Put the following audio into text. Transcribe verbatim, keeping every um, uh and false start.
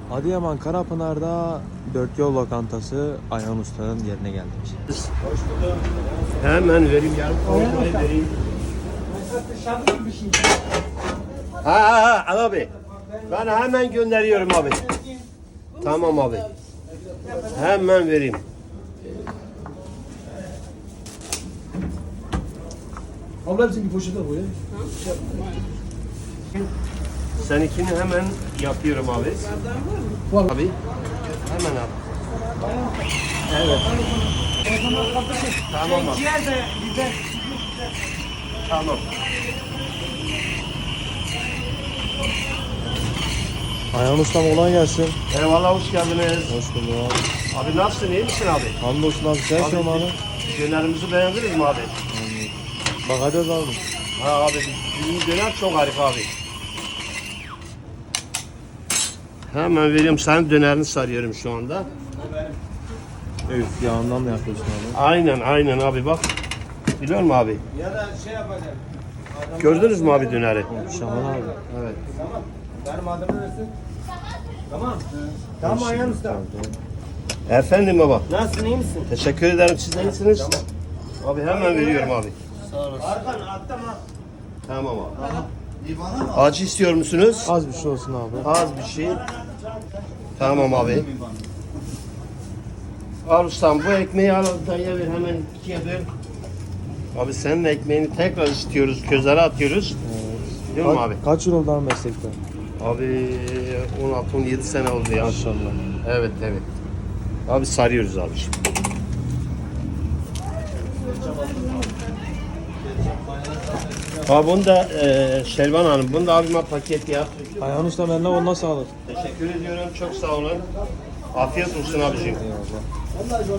Adıyaman Karapınar'da Dört Yol Lokantası Ayhan Usta'nın yerine geldik. Hemen vereyim yarım koymayı vereyim. Ha ha ha al abi. Ben hemen gönderiyorum abi. Tamam abi. Hemen vereyim. Abla hepsini bir poşete koy ya. Seninkini hemen yapıyorum abi. Var. Abi. Hemen abi. Evet. Tamam abi. Tamam. Ayhan Usta'm kolay gelsin. Eyvallah hoş geldiniz. Hoş bulduk abi. Abi nasılsın iyi misin abi? Hamdolsun abi. Sen Abi, kim abi? Dönerimizi beğendiniz mi abi? Bakacağız abi. Ha abi bizim döner çok harika abi. Hemen veriyorum senin dönerini sarıyorum şu anda. Evet. Yağından mı yapıyorsun abi? Aynen aynen abi bak. Biliyor musun abi? Ya da şey yapacağım. Gördünüz mü abi döneri? Şahan abi. Evet. Tamam. Benim adımı versin. Tamam. Tamam Ayhan Usta. Efendim baba. Nasılsın iyi misin? Teşekkür ederim siz de iyisiniz. Abi hemen veriyorum abi. Arkan atlama. Tamam abi. Acı istiyor musunuz? Az bir şey olsun abi. Az bir şey. Tamam abi. Al ustam bu ekmeği al dayıya ver hemen ikiye böl. Abi senin ekmeğini tekrar istiyoruz, közlere atıyoruz. Değil mi Ka- abi? Kaç yıl oldu abi meslekte? Abi on altı on yedi sene oldu ya. Maşallah. Evet evet. Abi sarıyoruz abi şimdi. Abi bunu da e, Şelvan Hanım, bunu da abime paket yap. Ayhan Usta'm eline koluna sağlık. Teşekkür ediyorum, çok sağ olun. Afiyet olsun abicim. Eyvallah.